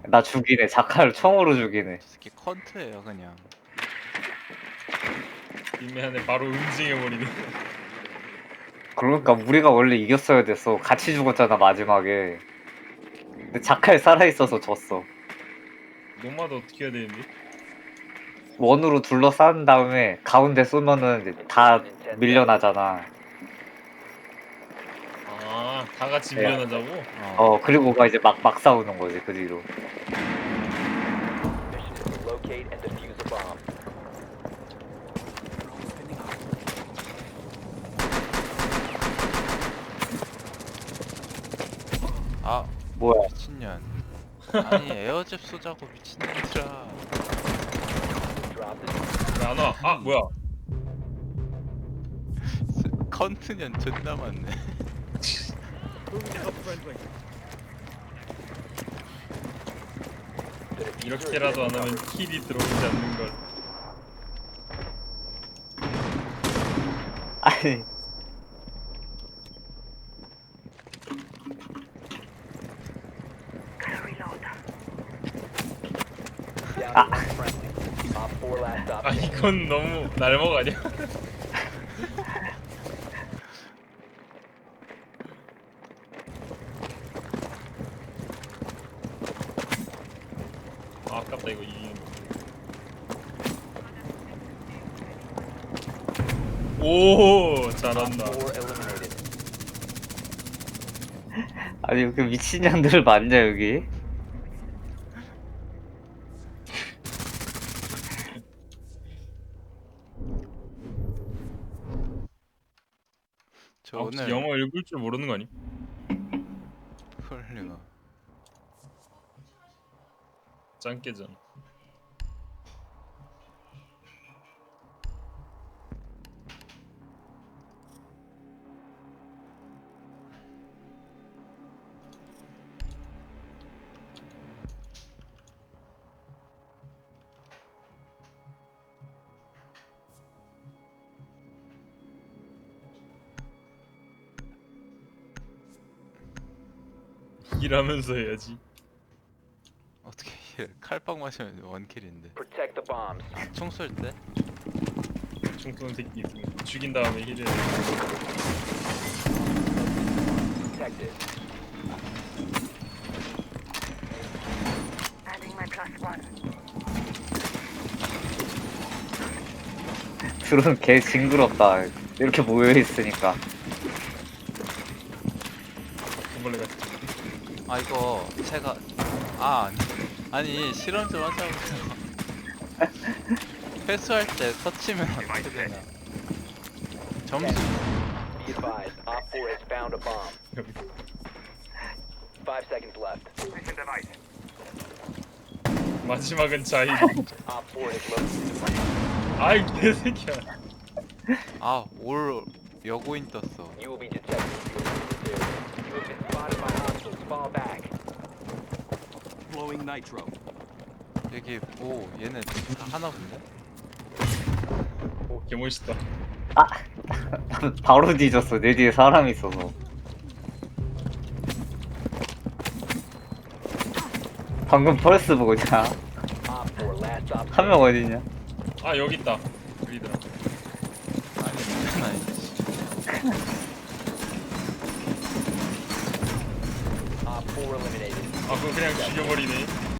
나 죽이네. 자칼 총으로 죽이네. 저 새끼 컨트예요 그냥. 뒷면에 바로 응징해버리네. 그러니까 우리가 원래 이겼어야 됐어. 같이 죽었잖아 마지막에. 근데 자칼 살아있어서 졌어. 노마드 어떻게 해야 되는데? 원으로 둘러싼 다음에 가운데 쏘면은 이제 다 밀려나잖아. 아, 다 같이 네. 밀려나자고? 그리고 가 이제 막 싸우는 거지 그 뒤로. Mission is to locate and defuse a bomb. 아 뭐야? 미친년. 아니 에어잽 쏘자고 미친년들아. Drop the 왜 안 와? 아, 뭐야? 컨트년 존나 많네. 이렇게라도 안 하면 킬이 들어오지 않는 걸. 아니 down to one friendly. Op 4 last stop 아, standing. 이건 너무 날먹 아니야? 아, 아깝다 이거 이기는 거. 오, 잘한다. 4 eliminated. 아니 그 미친년들 맞냐 여기? 저 아, 혹시 오늘 영어 읽을 줄 모르는 거 아니? 헐리가 짱깨잖아. 일하면서 해야지. 어떻게 칼빵 마시면 원킬인데. Protect the bombs. 총 쏠 때? 총 쏘는 새끼 있으면 죽인 다음에 힐을. Detected. Adding my plus one. 둘은 개 징그럽다. 이렇게 모여 있으니까. 돈벌레 같이. 아 이거 제가 아니 실험 좀 하자고. 회수할 때 터치면 어떻게 되나? 점수 Be advised. Op 4 has found a bomb. 5 seconds left. Mission device. 마지막은 자희. Op 4 has located the bomb. 아이 개새끼야. 올 여고인 떴어. You will be detected if you are You have been spotted by hostiles. Fall back. Blowing nitro. 여기 얘네 다 하나 본데? 오, 개멋있다. 바로 뒤졌어. 내 뒤에 사람이 있어서. 방금 펄스 뭐냐? Op 4 last stop 한 명 어디냐? 아, 여기 있다. 여기더라. 아니 이건 아니지. Op 4 eliminated. 아, 그거 그냥 죽여버리네.